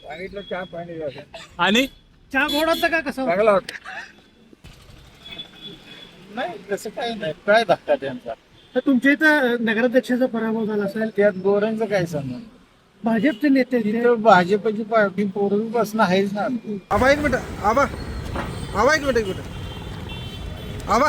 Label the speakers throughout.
Speaker 1: सांगितलं चहा पाणी झालं.
Speaker 2: आणि
Speaker 3: चहा गोड होता का कसं
Speaker 1: चांगला होता. नाही तसं काही नाही, काय धक्का त्यांचा.
Speaker 3: तर तुमच्या इथं नगराध्यक्षाचा पराभव झाला असेल,
Speaker 1: त्यात गोऱ्यांचं काय सांगणार.
Speaker 3: भाजपचे नेते आहेत ते.
Speaker 1: तिथं भाजपची पार्टी पूर्वीपासून आहेच ना.
Speaker 4: आबा एक मिनिट आबा आबा एक मिनिट आबा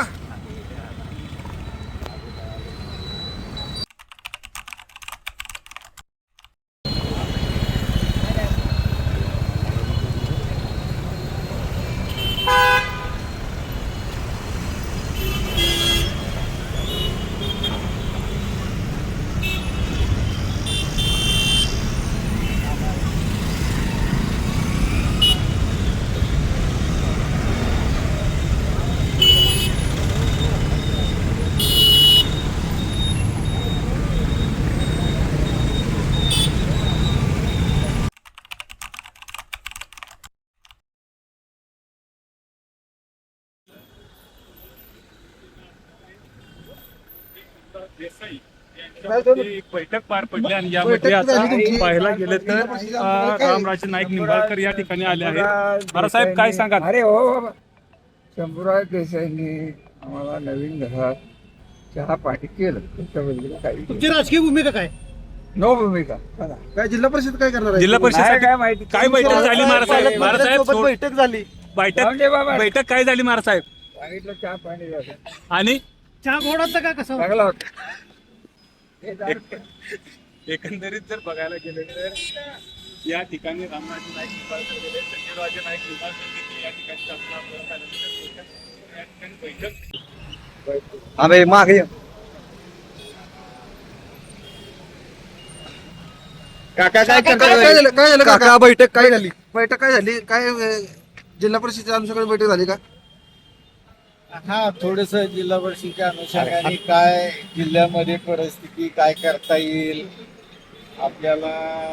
Speaker 2: एक बैठक पार पडली आणि यामध्ये आता पाहायला गेलं तर रामराजे नाईक निंबाळकर या ठिकाणी आले आहेत. बाळासाहेब काय सांगाल?
Speaker 1: अरे हो बाबा, शंभूराज देसाईंनी आम्हाला नवीन घरात चहा पाणी केलं. त्याच्याबद्दल काही
Speaker 3: तुमची राजकीय भूमिका काय?
Speaker 1: नो भूमिका.
Speaker 4: काय जिल्हा परिषद काय करणार आहे?
Speaker 2: जिल्हा परिषद
Speaker 1: काय माहिती
Speaker 2: काय बैठक झाली महाराज महाराज
Speaker 4: सोबत बैठक झाली.
Speaker 1: जाऊन दे बाबा.
Speaker 2: बैठक काय झाली महाराज?
Speaker 1: सांगितलं चहा पाणी झालं.
Speaker 2: आणि
Speaker 3: चहा गोड होता का कसं
Speaker 1: चांगला होता.
Speaker 2: एकंदरीत जर बघायला गेलं तर या ठिकाणी रामराजे नाईक निंबाळकर गेले, संजयराजे नाईक निंबाळकर देखील या ठिकाणी या ठिकाणी बैठक
Speaker 4: अबे मागे
Speaker 1: काका काय
Speaker 4: काय झालं काका? बैठक काय झाली? बैठक काय झाली? काय जिल्हा परिषदेच्या अनुषंगाने बैठक झाली का?
Speaker 1: हा, थोडस जिल्हा परिषदेच्या अनुषंगाने काय जिल्ह्यामध्ये परिस्थिती काय करता येईल आपल्याला,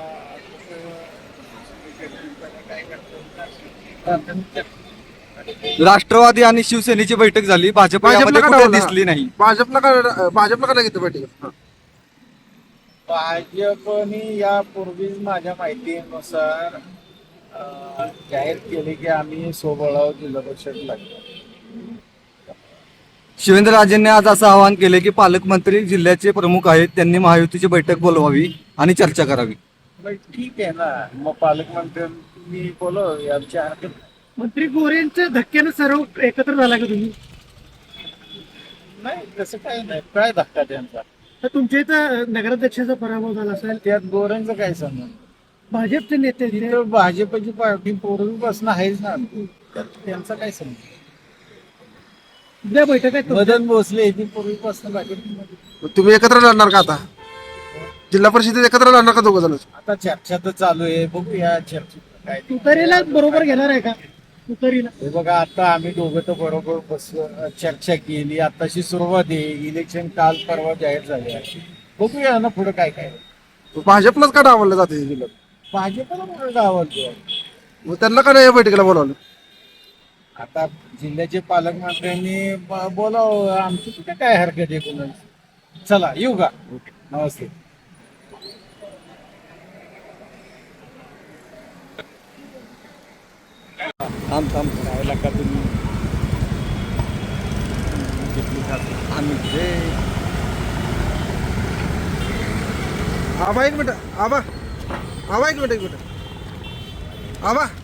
Speaker 4: राष्ट्रवादी आणि शिवसेनेची बैठक झाली. भाजप यामध्ये कुठे दिसली नाही. भाजपला का घेतलं बैठक?
Speaker 1: भाजपने यापूर्वीच माझ्या माहितीनुसार जाहीर केले की आम्ही सोबळाव जिल्हा परिषद लागलो.
Speaker 4: शिवेंद्रराजेंनी आज असं आवाहन केले की पालकमंत्री जिल्ह्याचे प्रमुख आहेत, त्यांनी महायुतीची बैठक बोलवावी आणि चर्चा करावी.
Speaker 1: मग ठीक आहे ना, मग पालकमंत्र्यांनी बोलव, आमच्या हरकत नाही.
Speaker 3: मंत्री गोरेंच्या धक्क्यानं सर्व एकत्र झाला का तुम्ही?
Speaker 1: नाही तसं काही नाही, काय धक्का त्यांचा.
Speaker 3: तर तुमच्या इथं नगराध्यक्षाचा पराभव झाला असेल,
Speaker 1: त्यात गोऱ्यांचं काय सांगणार.
Speaker 3: भाजपचे नेते आहेत ते.
Speaker 1: तिथं भाजपची पार्टी पूर्वीपासून आहेच ना. त्यात त्यांचं काय सांगणार.
Speaker 3: उद्या बैठक आहे
Speaker 1: मदन भोसले ती पूर्वीपासून भाजपमध्ये.
Speaker 4: तुम्ही एकत्र लढणार का आता? जिल्हा परिषदेत एकत्र लढणार का दोघं जण?
Speaker 1: आता चर्चा तर चालू आहे, बघूया चर्चेत काय ते.
Speaker 3: तुतारीला बरोबर घेणार आहे का? तुतारीला
Speaker 1: हे बघा, आता आम्ही दोघं तर बरोबर चर्चा केली, आताशी सुरुवात आहे. इलेक्शन काल परवा जाहीर झाले आहे, बघूया ना पुढे काय काय.
Speaker 4: भाजपलाच का डावललं जाते जिल्ह्यात?
Speaker 1: भाजपला म्हणून गावात
Speaker 4: मग त्यांना का नाही या बैठकीला बोलावलं?
Speaker 1: आता जिल्ह्याचे पालकमंत्र्यांनी बोलावं, आमची कुठे काय हरकत आहे कोणाची. चला येऊ का? नमस्ते.
Speaker 4: थांब
Speaker 2: राहायला का तुम्ही
Speaker 4: आम्ही आबा एक मिनिट आबा एक मिनिट आबा